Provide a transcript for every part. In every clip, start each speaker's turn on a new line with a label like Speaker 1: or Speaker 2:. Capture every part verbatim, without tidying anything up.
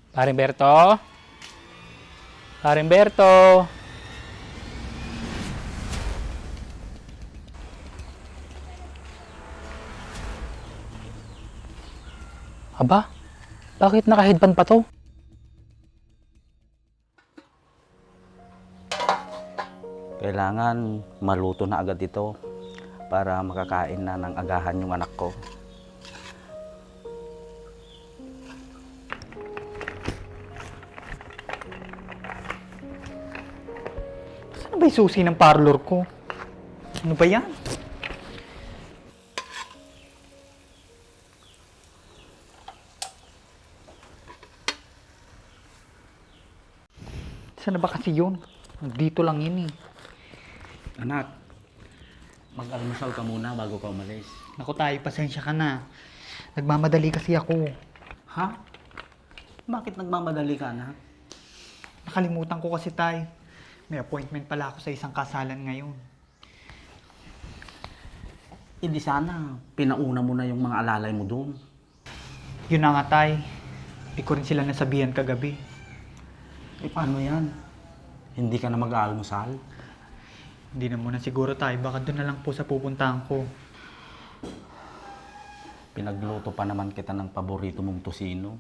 Speaker 1: Parimberto? Parimberto? Aba, bakit naka-headband pa to?
Speaker 2: Kailangan maluto na agad ito para makakain na ng agahan yung anak ko.
Speaker 3: Saan ba yung susi ng parlor ko? Ano ba yan? Saan na ba kasi yun? Dito lang yun eh.
Speaker 2: Anak, mag-almusal ka muna bago ka umalis.
Speaker 3: Naku tayo, pasensya ka na. Nagmamadali kasi ako.
Speaker 2: Ha? Bakit nagmamadali ka, anak?
Speaker 3: Nakalimutan ko kasi tay. May appointment pala ako sa isang kasalan ngayon.
Speaker 2: Hindi sana, pinauna mo na yung mga alalay mo doon.
Speaker 3: Yun na nga tay. Di ko rin sila nasabihan kagabi.
Speaker 2: Eh paano yan? Hindi ka na mag-aalmusal?
Speaker 3: Hindi na muna siguro tay. Baka doon na lang po sa pupuntahan ko.
Speaker 2: Pinagluto pa naman kita ng paborito mong tosino.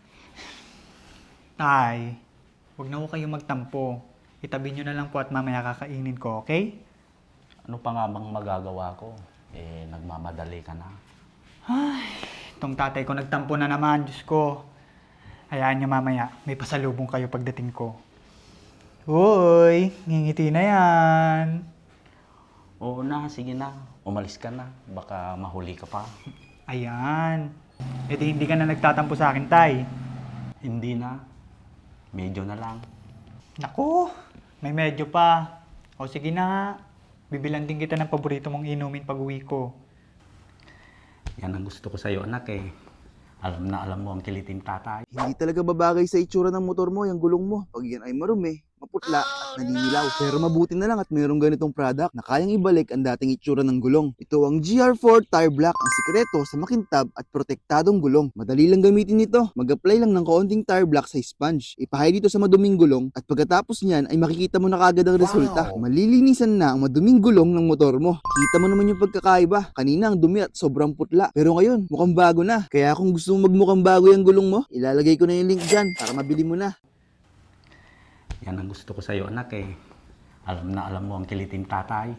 Speaker 3: Tay, huwag na ko kayo magtampo. Itabi nyo na lang po at mamaya kakainin ko, okay?
Speaker 2: Ano pa nga bang magagawa ko? Eh, nagmamadali ka na.
Speaker 3: Ay, itong tatay ko nagtampo na naman, Diyos ko. Hayaan nyo mamaya, may pasalubong kayo pagdating ko. Uy, ngingiti na yan.
Speaker 2: Oo na, sige na. Umalis ka na. Baka mahuli ka pa.
Speaker 3: Ayan. E di hindi ka na nagtatampo sa akin, tay.
Speaker 2: Hindi na. Medyo na lang.
Speaker 3: Naku, may medyo pa. O sige na nga. Bibilan din kita ng paborito mong inumin pag uwi ko.
Speaker 2: Yan ang gusto ko sa'yo, anak eh. Alam na alam mo ang kiliting tatay.
Speaker 4: Hindi talaga babagay sa itsura ng motor mo, yung gulong mo. Pag yan ay marumi, maputla at naninilaw. Pero mabuti na lang at mayroong ganitong product na kayang ibalik ang dating itsura ng gulong. Ito ang G R four Tire Black, ang sikreto sa makintab at protektadong gulong. Madali lang gamitin ito. Mag-apply lang ng kaunting tire black sa sponge. Ipahay dito sa maduming gulong at pagkatapos niyan ay makikita mo na kagad ang resulta.
Speaker 2: Wow.
Speaker 4: Malilinisan na ang maduming gulong ng motor mo. Kita mo naman yung pagkakaiba. Kanina ang dumi at sobrang putla. Pero ngayon, mukhang bago na. Kaya kung gusto mo magmukhang bago yung gulong mo, ilalagay ko na yung link dyan para mabili mo na.
Speaker 2: Yan ang gusto ko sa'yo, anak eh. Alam na alam mo ang kiliting tatay.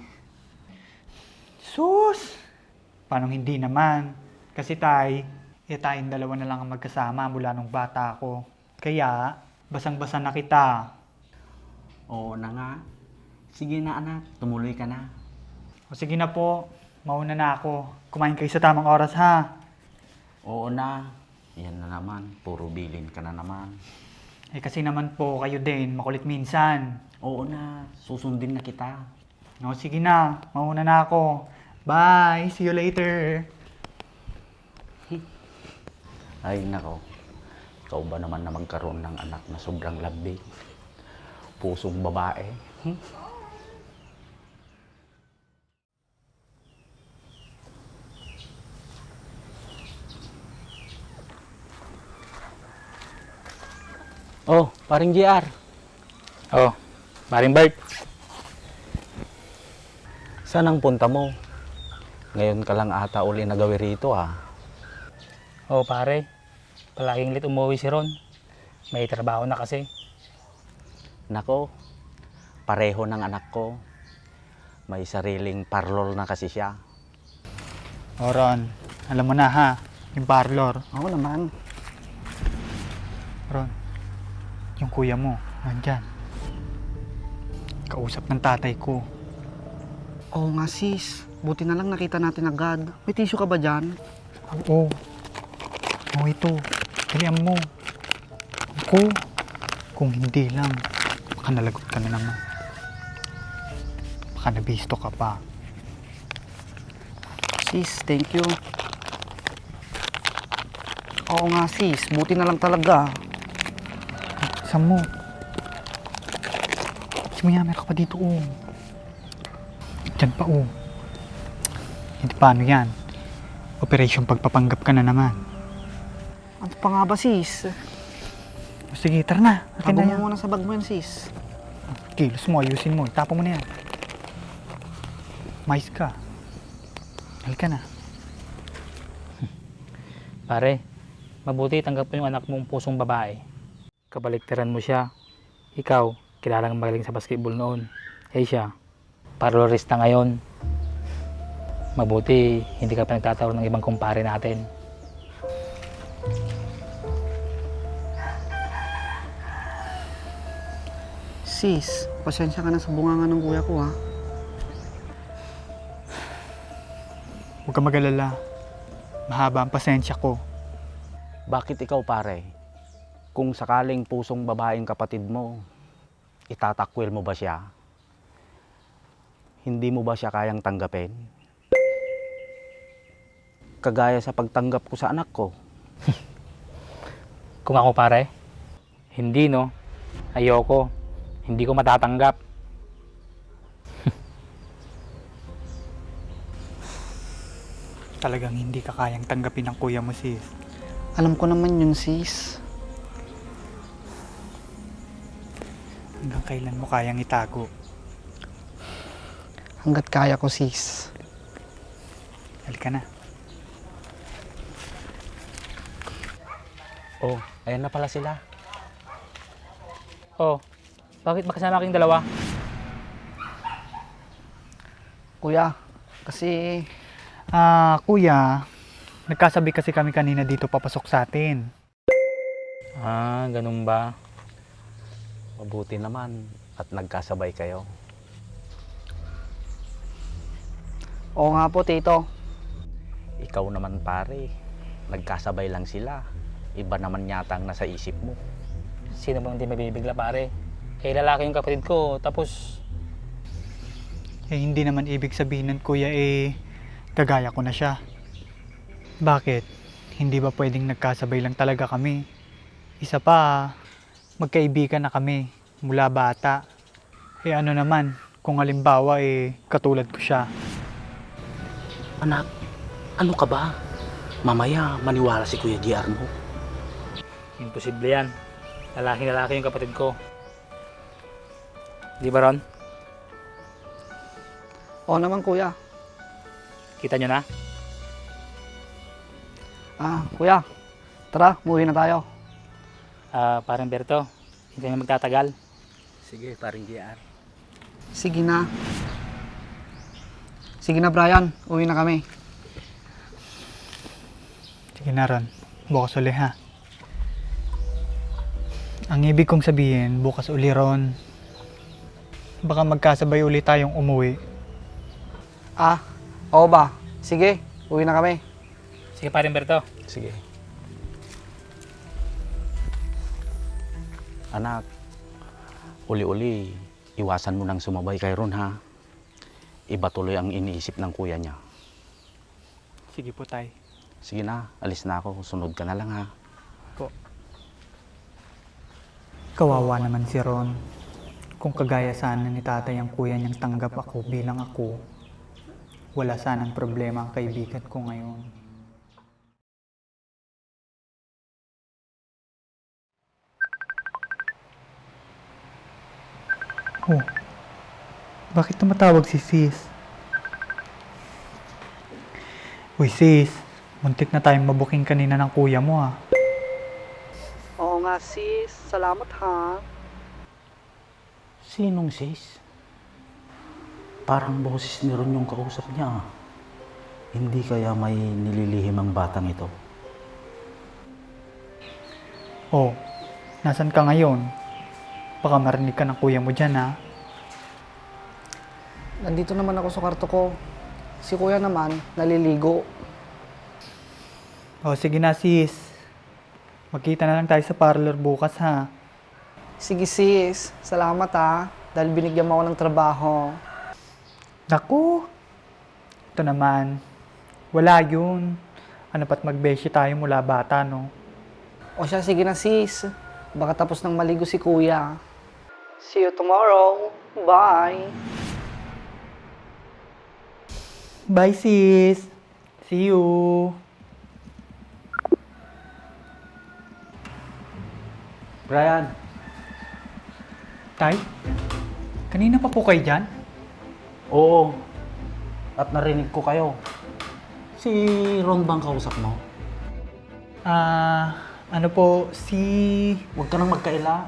Speaker 3: Sus! Paano hindi naman? Kasi tay, eh tayong dalawa na lang ang magkasama mula nung bata ako. Kaya, basang-basa na kita.
Speaker 2: Oo na nga. Sige na, anak. Tumuloy ka na.
Speaker 3: O sige na po, mauna na ako. Kumain kayo sa tamang oras ha.
Speaker 2: Oo na. Yan na naman. Puro bilin ka na naman.
Speaker 3: Eh kasi naman po kayo din, makulit minsan.
Speaker 2: Oo na. Susundin na kita.
Speaker 3: O sige na, mauna na ako. Bye, see you later.
Speaker 2: Ay, nako. Ikaw ba naman na magkaroon ng anak na sobrang lambing? Pusong babae. Hmm?
Speaker 1: Oh, paring G R. Oh, paring Bert.
Speaker 2: Saan ang punta mo? Ngayon ka lang ata uli nagawi rito ah.
Speaker 1: Oh, pare. Palaging late umuwi si Ron. May trabaho na kasi.
Speaker 2: Nako, pareho ng anak ko. May sariling parlor na kasi siya.
Speaker 3: O Ron, alam mo na ha, yung parlor.
Speaker 2: Oo naman.
Speaker 3: Ron, yung kuya mo, nandyan. Kausap ng tatay ko.
Speaker 5: Oo nga sis, buti na lang nakita natin agad. May tissue ka ba dyan?
Speaker 3: Oo. Oo ito, dalian mo. Ako, kung hindi lang, baka nalagot ka na naman. Baka nabisto ka pa.
Speaker 5: Sis, thank you. Oo nga sis, buti na lang talaga.
Speaker 3: Saan mo? Si Mayammer ka pa dito, oh. Diyan pa, oh. Hindi paano yan? Operation pagpapanggap ka na naman.
Speaker 5: Ano pa nga ba sis?
Speaker 3: Sige, tara na. Akin
Speaker 5: Tago
Speaker 3: na
Speaker 5: mo
Speaker 3: yan.
Speaker 5: muna sa bag mo yan, sis.
Speaker 3: Kilos mo, ayusin mo. Itapo mo na yan. Mais ka. Halika na.
Speaker 1: Pare, mabuti tanggap mo yung anak mong pusong babae. Kabaliktaran mo siya. Ikaw, kilalang magaling sa basketball noon. Eh siya, parlorista ngayon. Mabuti, hindi ka pa nagtatawag ng ibang kumpare natin.
Speaker 5: Sis, pasensya ka na sa bunganga ng kuya ko, ha?
Speaker 3: Huwag ka mag-alala. Mahaba ang pasensya ko.
Speaker 2: Bakit ikaw pare? Kung sakaling pusong babaeng kapatid mo, itatakwil mo ba siya? Hindi mo ba siya kayang tanggapin? Kagaya sa pagtanggap ko sa anak ko.
Speaker 1: Kung ako pare, hindi no. Ayoko. Hindi ko matatanggap.
Speaker 3: Talagang hindi ka kayang tanggapin ng kuya mo, sis.
Speaker 5: Alam ko naman yun, sis.
Speaker 3: Hanggang kailan mo kayang itago?
Speaker 5: Hanggat kaya ko, sis.
Speaker 3: Halika na.
Speaker 2: Oh, ayan na pala sila.
Speaker 1: Oh, bakit makasama kayong dalawa?
Speaker 5: Kuya, kasi
Speaker 3: Ah, kuya, nagkasabi kasi kami kanina dito papasok sa atin.
Speaker 1: Ah, ganun ba?
Speaker 2: Mabuti naman at nagkasabay kayo.
Speaker 5: oo nga po, tito.
Speaker 2: Ikaw naman pare, nagkasabay lang sila. Iba naman yata ang nasa isip mo.
Speaker 1: Sino bang hindi mabibigla pare? Eh, lalaki yung kapatid ko, tapos
Speaker 3: Eh, hindi naman ibig sabihin nun, kuya, eh, kagaya ko na siya. Bakit? Hindi ba pwedeng nagkasabay lang talaga kami? Isa pa, magkaibigan na kami mula bata. Eh ano naman, kung halimbawa eh, katulad ko siya.
Speaker 2: Anak, ano ka ba? Mamaya maniwala si Kuya J R mo.
Speaker 1: imposible yan. Lalaki-lalaki yung kapatid ko. Di ba Ron?
Speaker 5: Oo naman, kuya.
Speaker 1: Kita nyo na?
Speaker 5: Ah, kuya. Tara, umuwi na tayo.
Speaker 1: Ah, parang Berto, hindi na magtatagal.
Speaker 2: Sige, paring J R.
Speaker 5: Sige na. Sige na, Brian. Uwi na kami.
Speaker 3: Sige na Ron, bukas uli ha. Ang ibig kong sabihin, bukas uli Ron. Baka magkasabay uli tayong umuwi.
Speaker 5: Ah, oo ba? Sige, uwi na kami.
Speaker 1: Sige parang Berto.
Speaker 2: Sige. Anak, uli-uli, iwasan mo nang sumabay kay Ron ha. Iba tuloy ang iniisip ng kuya niya.
Speaker 3: Sige po tay.
Speaker 2: Sige na, alis na ako. Sunod ka na lang ha.
Speaker 3: Po. Kawawa naman si Ron. Kung kagaya sana ni tatay ang kuya niyang tanggap ako bilang ako, wala sanang problema ang kaibigan ko ngayon. Oh, bakit tumatawag si sis? Uy sis, muntik na tayong mabuking kanina ng kuya mo ah.
Speaker 5: Oo nga, sis. Salamat, ha.
Speaker 2: Sinong sis? Parang boses ni Ron yung kausap niya. Hindi kaya may nililihim ang batang ito?
Speaker 3: Oh, nasan ka ngayon? Baka marinig ka ng kuya mo dyan ha.
Speaker 5: Nandito naman ako sa kwarto ko. Si kuya naman, naliligo.
Speaker 3: Oh, sige na sis. Magkita na lang tayo sa parlor bukas ha.
Speaker 5: Sige, sis. Salamat, ha. Dahil binigyan mo ako ng trabaho.
Speaker 3: Naku! Ito naman. Wala yun. Ano pa't magbeshi tayo mula bata, no?
Speaker 5: O siya, sige na, sis. Baka tapos nang maligo si kuya. See you tomorrow. Bye.
Speaker 3: Bye sis! See you!
Speaker 2: Brian,
Speaker 3: Tay, kanina pa po kayo dyan?
Speaker 2: oo. At narinig ko kayo. Si Ron bang kausap mo?
Speaker 3: Ah, ano po, si...
Speaker 2: Huwag ka nang magkaila.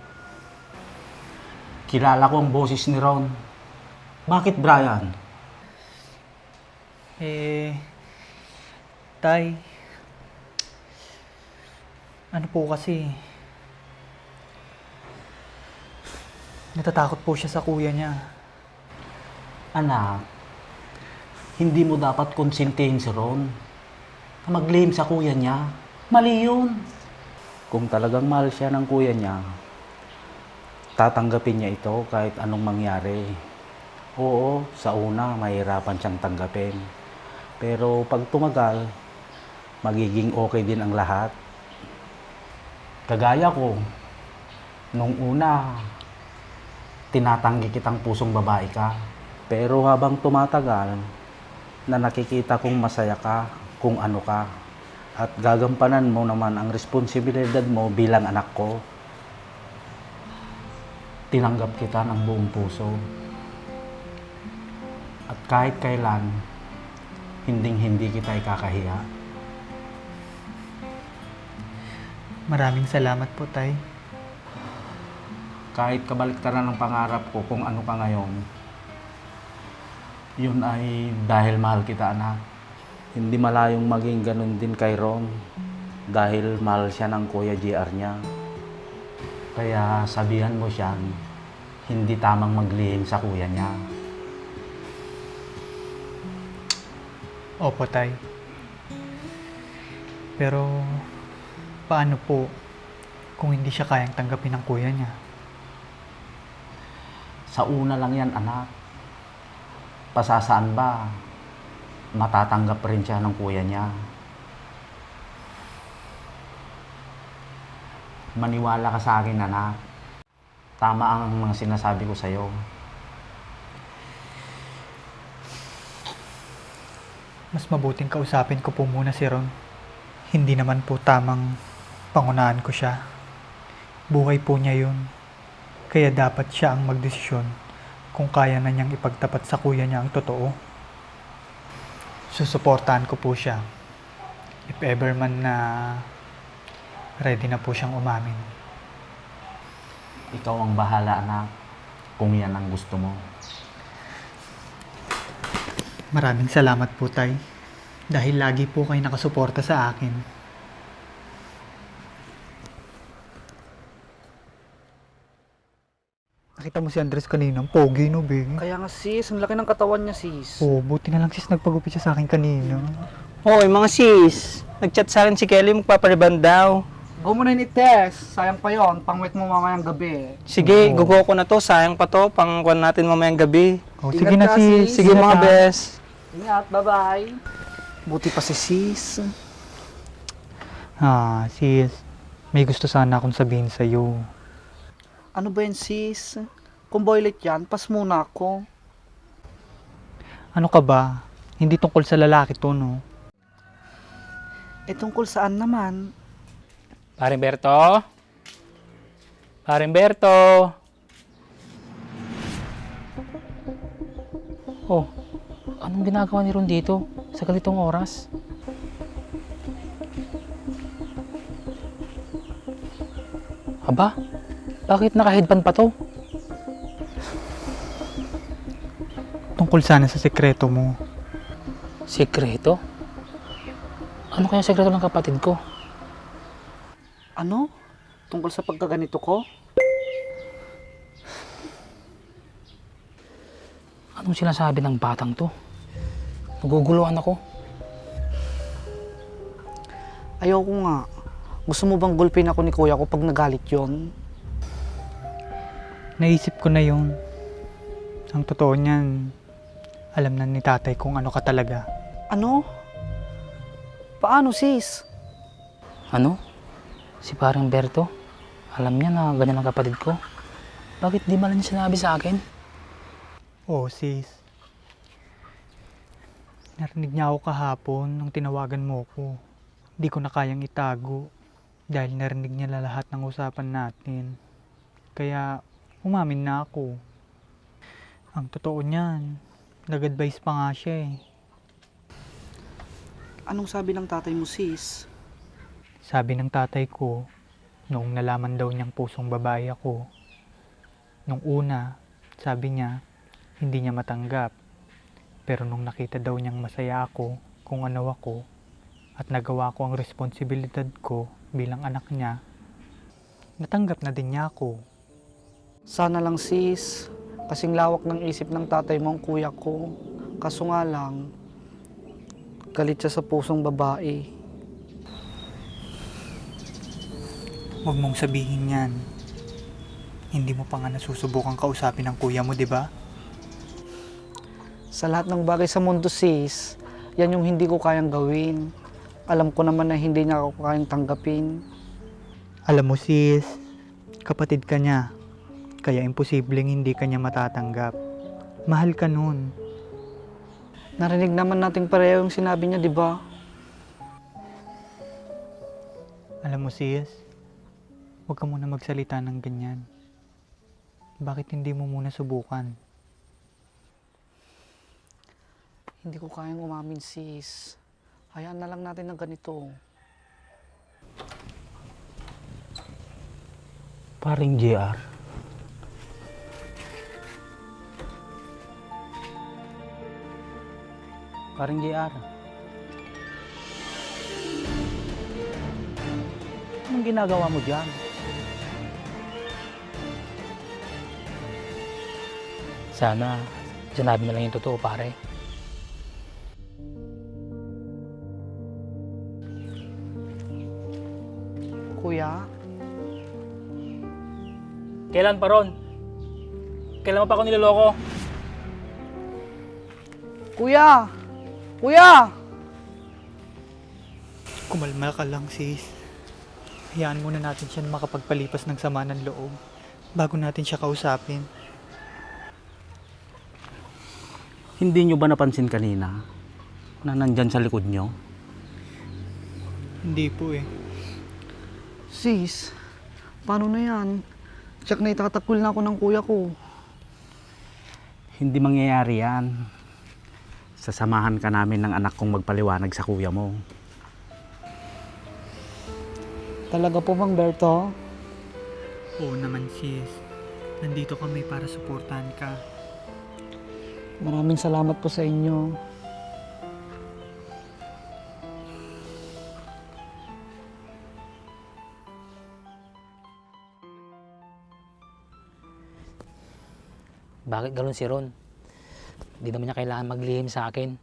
Speaker 2: Kilala ko ang boses ni Ron. Bakit, Brian?
Speaker 3: Eh... Tay... Ano po kasi... Natatakot po siya sa kuya niya.
Speaker 2: Anak, hindi mo dapat konsintihin si Ron na mag-blame sa kuya niya. Mali yun. Kung talagang mahal siya ng kuya niya, tatanggapin niya ito kahit anong mangyari. Oo, sa una, mahirapan siyang tanggapin. Pero pag tumagal, magiging okay din ang lahat. Kagaya ko, nung una, tinatanggi kitang pusong babae ka. Pero habang tumatagal, na nakikita kong masaya ka kung ano ka. At gagampanan mo naman ang responsibilidad mo bilang anak ko. Tinanggap kita ng buong puso. At kahit kailan, hinding-hindi kita ikakahiya.
Speaker 3: Maraming salamat po, Tay.
Speaker 2: Kahit kabaliktaran ng pangarap ko kung ano ka ngayon, yun ay dahil mahal kita, anak. Hindi malayong maging ganun din kay Ron dahil mahal siya ng Kuya J R niya. Kaya sabihan mo siyang hindi tamang maglihim sa kuya niya.
Speaker 3: Opo, Tay. Pero, paano po kung hindi siya kayang tanggapin ng kuya niya?
Speaker 2: Sa una lang yan, anak. Pasasaan ba, matatanggap rin siya ng kuya niya. Maniwala ka sa akin, anak. Tama ang mga sinasabi ko sa'yo.
Speaker 3: Mas mabuting kausapin ko po muna si Ron. Hindi naman po tamang pangunahan ko siya. Buhay po niya yun. Kaya dapat siya ang magdesisyon kung kaya na niyang ipagtapat sa kuya niya ang totoo. Susuportahan ko po siya. If ever man na ready na po siyang umamin.
Speaker 2: Ikaw ang bahala, anak, kung yan ang gusto mo.
Speaker 3: Maraming salamat po, Tay. Dahil lagi po kayo nakasuporta sa akin. Nakita mo si Andres kanina, ang pogi no, Bing?
Speaker 5: Kaya nga sis, ang laki ng katawan niya sis.
Speaker 3: Oo, buti na lang sis nagpagupit siya sa akin kanina.
Speaker 6: Hoy mga sis, nag-chat sa akin si Kelly magpapariband daw.
Speaker 5: Go mo na yun i-test. Sayang pa yon, pangwit mo mamayang gabi.
Speaker 6: Sige,
Speaker 3: Oo.
Speaker 6: gugo ko na to, sayang pa to, pangkuhan natin mamayang gabi.
Speaker 3: Oh,
Speaker 5: Ingat
Speaker 3: sige na
Speaker 5: ka,
Speaker 3: sis.
Speaker 5: sis.
Speaker 6: Sige
Speaker 3: Ingat
Speaker 6: mga
Speaker 3: ka.
Speaker 6: bes.
Speaker 5: Ingat, bye-bye. Buti pa si sis.
Speaker 3: Ah, sis. May gusto sana akong sabihin sa'yo.
Speaker 5: Ano ba yun sis? Kung boylet yan, pas muna ako.
Speaker 3: Ano ka ba? Hindi tungkol sa lalaki to, no?
Speaker 5: Eh tungkol saan naman?
Speaker 1: Paring Berto? Paring Berto? Oh, anong ginagawa ni Ron dito sa ganitong oras? Aba, bakit naka-headband pa to?
Speaker 3: Tungkol sana sa sekreto mo.
Speaker 1: Sekreto? Ano kaya sekreto ng kapatid ko?
Speaker 5: Ano? Tungkol sa pagkaganito ko?
Speaker 1: Anong sinasabi ng batang to? Naguguluhan ako.
Speaker 5: Ayoko nga. Gusto mo bang gulpin ako ni kuya ko pag nagalit yon?
Speaker 3: Naisip ko na yun. Ang totoo niyan, alam na ni tatay kung ano ka talaga.
Speaker 5: Ano? Paano sis?
Speaker 1: Ano? Si Paring Berto? Alam niya na ganyan ang kapatid ko. Bakit di man lang niya sinabi sa akin?
Speaker 3: Oo, sis. Narinig niya ako kahapon nung tinawagan mo ko. Di ko na kayang itago. Dahil narinig niya la- lahat ng usapan natin. Kaya umamin na ako. Ang totoo niyan, nag-advise pa nga siya eh.
Speaker 5: Anong sabi ng tatay mo, sis?
Speaker 3: Sabi ng tatay ko, noong nalaman daw niyang pusong babae ako, nung una, sabi niya, hindi niya matanggap. Pero nung nakita daw niyang masaya ako kung ano ako, at nagawa ko ang responsibilidad ko bilang anak niya, natanggap na din niya ako.
Speaker 5: Sana lang, sis. Kasing lawak ng isip ng tatay mo ang kuya ko. Kaso nga lang, galit siya sa pusong babae.
Speaker 3: Huwag mong sabihin yan. Hindi mo pa nga nasusubukan kausapin ng kuya mo, di ba?
Speaker 5: Sa lahat ng bagay sa mundo, sis, yan yung hindi ko kayang gawin. Alam ko naman na hindi niya ako kayang tanggapin.
Speaker 3: Alam mo sis, kapatid ka niya. Kaya imposibleng hindi ka niya matatanggap. Mahal ka nun.
Speaker 5: Narinig naman nating pareho yung sinabi niya, di ba?
Speaker 3: Alam mo sis, huwag ka muna magsalita ng ganyan. Bakit hindi mo muna subukan?
Speaker 5: Hindi ko kayang umamin, sis. Hayaan na lang natin ng ganito.
Speaker 2: Paring J R. Paring J R. Anong ginagawa mo dyan?
Speaker 1: Sana, sinabi na lang yung totoo, pare.
Speaker 5: Kuya,
Speaker 1: Kailan pa ron? Kailan mo pa ako niloloko?
Speaker 5: kuya! Kuya!
Speaker 3: Kumalma ka lang sis. Hayaan muna natin siya na makapagpalipas ng sama ng loob bago natin siya kausapin.
Speaker 2: Hindi nyo ba napansin kanina na nandyan sa likod nyo?
Speaker 3: Hindi po eh.
Speaker 5: Sis, paano na yan? Tsak na itatakul na ako ng kuya ko.
Speaker 2: Hindi mangyayari yan. Sasamahan ka namin ng anak kong magpaliwanag sa kuya mo.
Speaker 5: Talaga po, Mang Berto?
Speaker 3: Oo naman sis. Nandito kami para suportahan ka.
Speaker 5: Maraming salamat po sa inyo.
Speaker 1: Bakit galon si Ron? Di naman niya kailangan maglihim sa akin.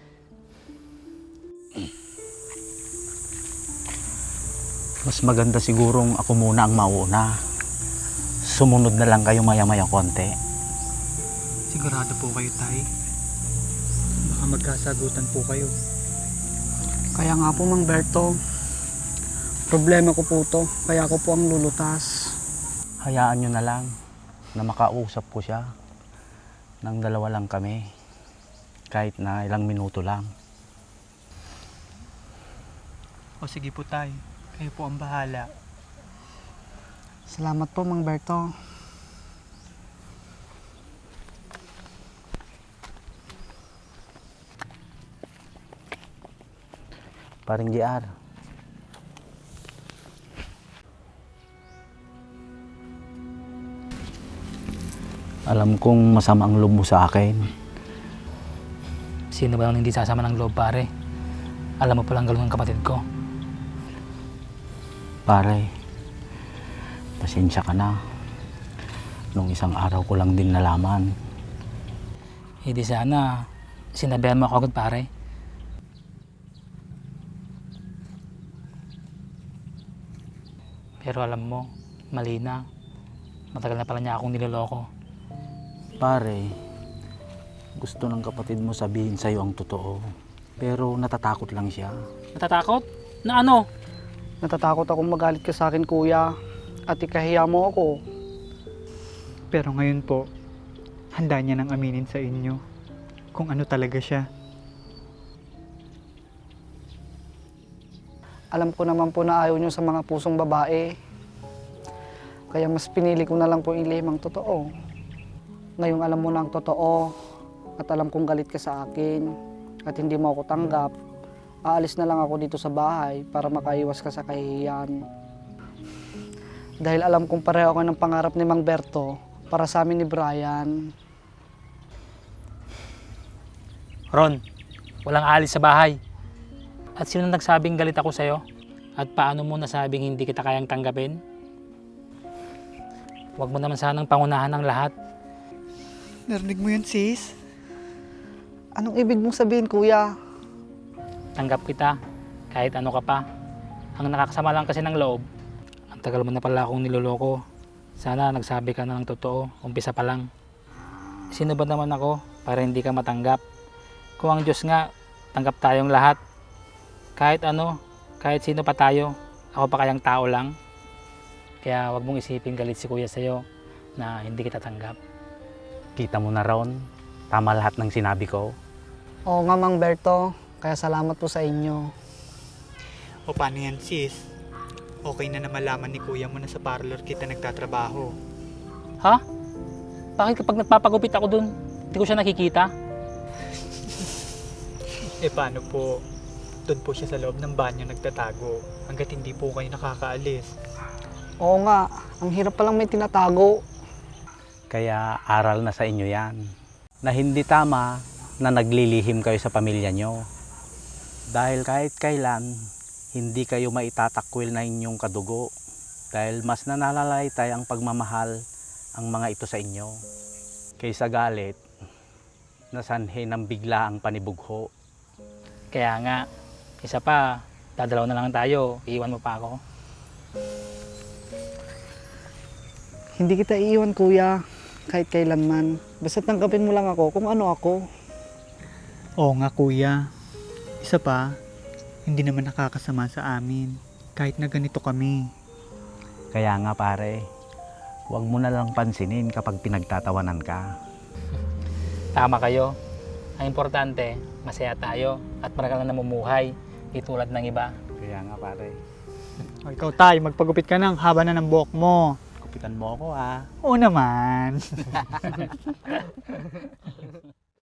Speaker 2: Mas maganda sigurong ako muna ang mauna. Sumunod na lang kayo maya-maya konti.
Speaker 3: Sigurado po kayo, Tay? Baka magkasagutan po kayo.
Speaker 5: Kaya nga po, Mang Berto, problema ko po to, kaya ako po ang lulutas.
Speaker 2: Hayaan nyo na lang na makausap ko siya. Nang dalawa lang kami. Kahit na ilang minuto lang.
Speaker 3: O sige po, Tay. Kayo po ang bahala.
Speaker 5: Salamat po, Mang Berto.
Speaker 2: Paring J R. Alam kong masama ang loob mo sa akin.
Speaker 1: Sino ba ang hindi sasama ng loob, pare? Alam mo palang galon ng kapatid ko.
Speaker 2: Pare, pasensya ka na. Nung isang araw ko lang din nalaman.
Speaker 1: Hindi sana, sinabihan mo ako agad, pare. Pero alam mo, mali na. Matagal na pala niya akong niloloko.
Speaker 2: Pare, gusto ng kapatid mo sabihin sa'yo ang totoo. Pero natatakot lang siya.
Speaker 1: Natatakot? Na ano?
Speaker 5: Natatakot akong magalit ka sa akin, kuya, at ikahiya mo ako.
Speaker 3: Pero ngayon po, handa niya nang aminin sa inyo kung ano talaga siya.
Speaker 5: Alam ko naman po na ayaw nyo sa mga pusong babae. Kaya mas pinili ko na lang po ilihim ang totoo. Ngayong alam mo na ang totoo at alam kong galit ka sa akin at hindi mo ako tanggap, aalis na lang ako dito sa bahay para makaiwas ka sa kahihiyan. Dahil alam kong pareho ako ng pangarap ni Mang Berto para sa amin ni Brian.
Speaker 1: Ron, walang alis sa bahay. At sino nagsabing galit ako sa'yo? At paano mo nasabing hindi kita kayang tanggapin? Huwag mo naman sanang pangunahan ng lahat.
Speaker 3: Narinig mo yun, sis?
Speaker 5: Anong ibig mong sabihin, kuya?
Speaker 1: Tanggap kita, kahit ano ka pa. Ang nakakasama lang kasi ng loob, ang tagal mo na pala akong niloloko. Sana nagsabi ka na ng totoo, umpisa pa lang. Sino ba naman ako para hindi ka matanggap? Kung ang Diyos nga, tanggap tayong lahat. Kahit ano, kahit sino pa tayo, ako pa kayang tao lang. Kaya wag mong isipin galit si kuya sa'yo na hindi kita tanggap.
Speaker 2: Kita mo na Ron, tama lahat ng sinabi ko.
Speaker 5: Oo nga, Mang Berto. Kaya salamat po sa inyo.
Speaker 3: O paano yan, sis? Okay na na malaman ni kuya mo na sa parlor kita nagtatrabaho.
Speaker 1: Ha? Bakit kapag nagpapagupit ako dun, hindi ko siya nakikita?
Speaker 3: Eh paano po? Doon po siya sa loob ng banyo nagtatago hanggat hindi po kayo nakakaalis.
Speaker 5: Oo nga, ang hirap palang may tinatago.
Speaker 2: Kaya aral na sa inyo yan, na hindi tama na naglilihim kayo sa pamilya nyo. Dahil kahit kailan, hindi kayo maitatakwil na inyong kadugo. Dahil mas nananalaytay ang pagmamahal ang mga ito sa inyo. Kaysa galit, nasanhe ng bigla ang panibugho.
Speaker 1: Kaya nga, isa pa, dadalaw na lang tayo, iiwan mo pa ako.
Speaker 5: Hindi kita iiwan, kuya. Kahit kailanman. Basta tanggapin mo lang ako kung ano ako.
Speaker 3: Oo nga, kuya. Isa pa, hindi naman nakakasama sa amin. Kahit na ganito kami.
Speaker 2: Kaya nga pare, huwag mo na lang pansinin kapag pinagtatawanan ka.
Speaker 1: Tama kayo. Ang importante, masaya tayo at maragal na namumuhay, di tulad ng iba.
Speaker 2: Kaya nga pare,
Speaker 3: O ikaw, tay, magpagupit ka ng haba na ng buhok mo.
Speaker 2: kupitan mo ako ah.
Speaker 3: Oo naman.